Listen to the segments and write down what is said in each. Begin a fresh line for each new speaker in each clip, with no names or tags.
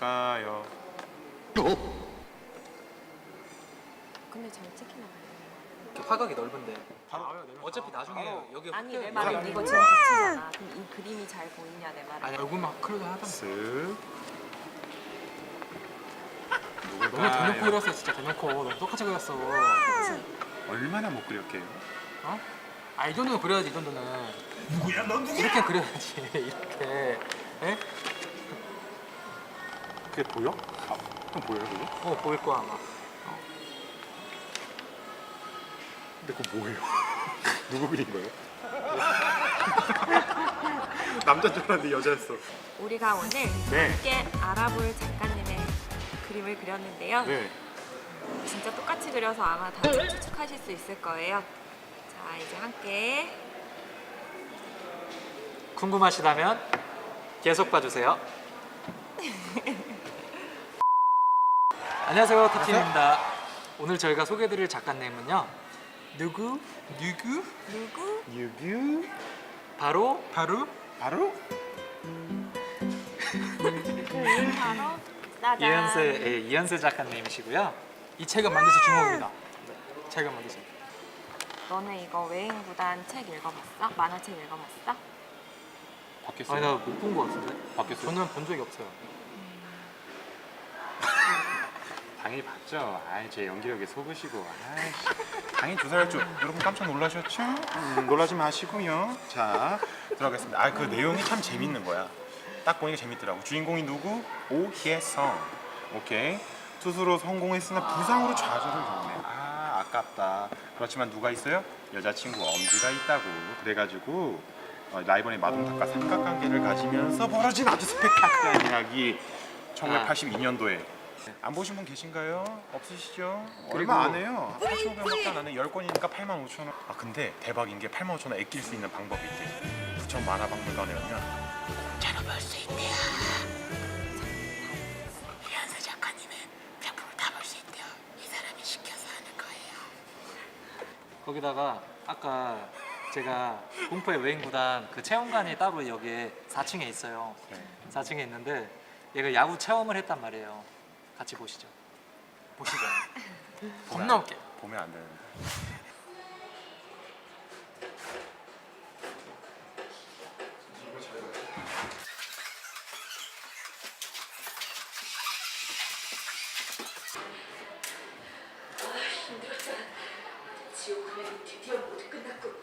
누굴까요?
근데 잘 찍히나 봐요.
화각이 넓은데
바로
어차피 나중에 여기
아니 내
흑백
말은 이거 지금 겹치잖아. 그럼 이 그림이 잘 보이냐 내 말은.
아니 얼굴만 크게 하다
쓱.
너무 대놓고 그렸어 진짜 대놓고 너무 똑같이 그렸어.
얼마나 못 그렸게요?
어? 아 이 정도는 그려야지 이 정도는. 누구야 넌 누구야? 이렇게 그려야지 이렇게. 에?
그게 보여? 아, 그럼 보여요 그게?
보일 거야 아마.
근데 그거 뭐예요? 누구 그린 거예요? 남자인 줄 알았는데 여자였어.
우리가 오늘
네.
함께 알아볼 작가님의 그림을 그렸는데요.
네.
진짜 똑같이 그려서 아마 다들 추측하실 수 있을 거예요. 자 이제 함께
궁금하시다면 계속 봐주세요. 안녕하세요 탑팀입니다. 오늘 저희가 소개해드릴 작가님은요 누구?
유규?
바로
바로?
바로 짜잔.
이현세 작가님이시고요. 이 책은 반드시 주목입니다. 책은 반드시.
너네 이거 외행구단 책 읽어봤어? 만화책 읽어봤어?
바뀌었어요?
아니 나 못 본 거 같은데?
바뀌었어요?
저는 본 적이 없어요.
당연히 봤죠. 아이 제 연기력에 속으시고. 아이씨. 당연히 조사할 줄 여러분 깜짝 놀라셨죠? 놀라지 마시고요. 자 들어가겠습니다. 아 그 내용이 참 재밌는 거야. 딱 보니까 재밌더라고. 주인공이 누구? 오희성. 오케이. 투수로 성공했으나 부상으로 좌절을 겪네. 아 아깝다. 그렇지만 누가 있어요? 여자친구 엄지가 있다고. 그래가지고 라이벌의 마동탁과 삼각관계를 가지면서 벌어진 아주 스펙타클한 이야기. 1982년도에. 안 보신 분 계신가요? 없으시죠? 얼마 안 해요. 8,500원밖에 안 하네. 10권이니까 85,000원. 아 근데 대박인 게 85,000원 아낄 수 있는 방법이 있대. 부천 만화박물관에 오면 공짜로 볼 수 있대요. 이현세 작가님은 작품을 다 볼 수 있대요. 이 사람이 시켜서 하는 거예요.
거기다가 아까 제가 공포의 외인구단 그 체험관이 따로 여기에 4층에 있어요.
네.
4층에 있는데 얘가 야구 체험을 했단 말이에요. 같이 보시죠. 보시죠. 겁나 웃겨.
보면 안 되는데.
지옥훈련이 드디어 모두 끝났군.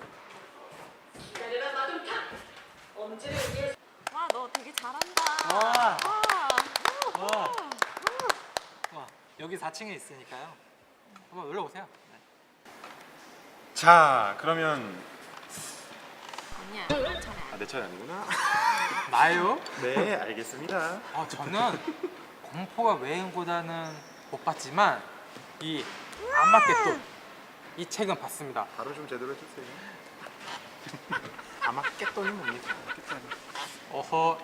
기다려라 마동탁. 엄지를 위해
와 너 되게 잘한다.
와.
와.
와. 와, 여기 4층에 있으니까요. 한번 올라오세요. 네.
자 그러면
아니야 너 차례 아니야.
내 차례 아니구나.
나요?
네 알겠습니다.
저는 공포와 외인구단은 못 봤지만 이 안맞겠도 이 책은 봤습니다.
바로 좀 제대로 해주세요.
아마겟돈이 뭡니까? 어허,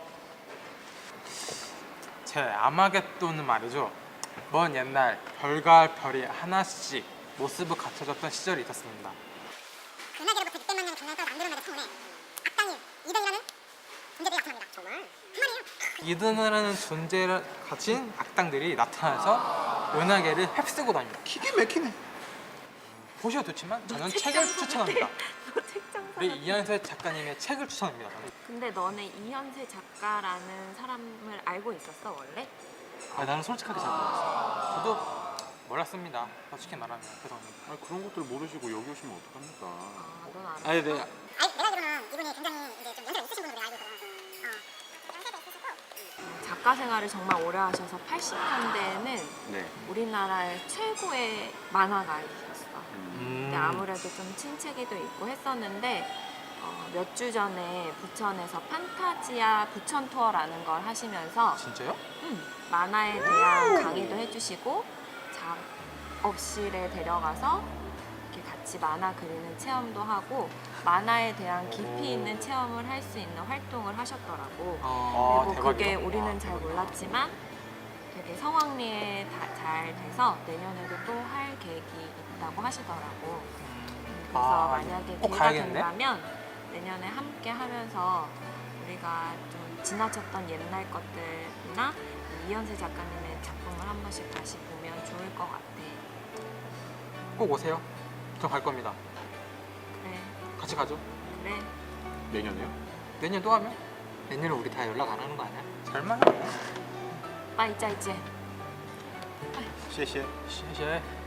제 아마겟돈은 말이죠. 먼 옛날 별과 별이 하나씩 모습을 갖춰졌던 시절이 있었습니다.
그날로부터 600만 년의 강렬과 만들어내는 처음에 악당인 이든이라는 존재들이 나타납니다. 정말? 그만이에요.
이든이라는 존재를 가진 악당들이 나타나서 은하계를 휩쓰고 다닙니다.
기계 막히네.
보셔도 좋지만 저는 책을 추천합니다.
너 책장
우리
사람.
이현세 작가님의 책을 추천합니다. 저는.
근데 너네 이현세 작가라는 사람을 알고 있었어 원래?
나는 솔직하게 잘 몰랐어요. 저도 몰랐습니다. 솔직히 말하면 죄송합니다.
아 그런 것들 모르시고 여기 오시면 어떡합니까?
넌 알아.
아니, 네.
내가 알기로는 이분이 굉장히 이제 좀 연세가 있으신 분으로 내가 알고 있거든. 연세가 있으시고
작가 생활을 정말 오래 하셔서 80년대에는
네.
우리나라의 최고의 만화가이셨어. 근데
음.
아무래도 좀 친체기도 있고 했었는데 몇 주 전에 부천에서 판타지아 부천 투어라는 걸 하시면서
진짜요?
만화에 대한 강의도 해주시고 작업실에 데려가서 이렇게 같이 만화 그리는 체험도 하고 만화에 대한 깊이 있는 체험을 할 수 있는 활동을 하셨더라고. 그리고 그게 우리는 잘 몰랐지만 되게 성황리에 잘 돼서 내년에도 또 할 계획이 있다고 하시더라고. 그래서 만약에
꼭
기회가
가야겠네.
된다면 내년에 함께 하면서 우리가 좀 지나쳤던 옛날 것들이나 이현세 작가님의 작품을 한 번씩 다시 보면 좋을 것 같아.
꼭 오세요. 저 갈 겁니다.
그래,
같이 가죠.
그래.
내년에요?
내년 또 하면? 내년에 우리 다 연락 안 하는 거 아니야? 설마?
아, 이제.
谢谢。
시시해.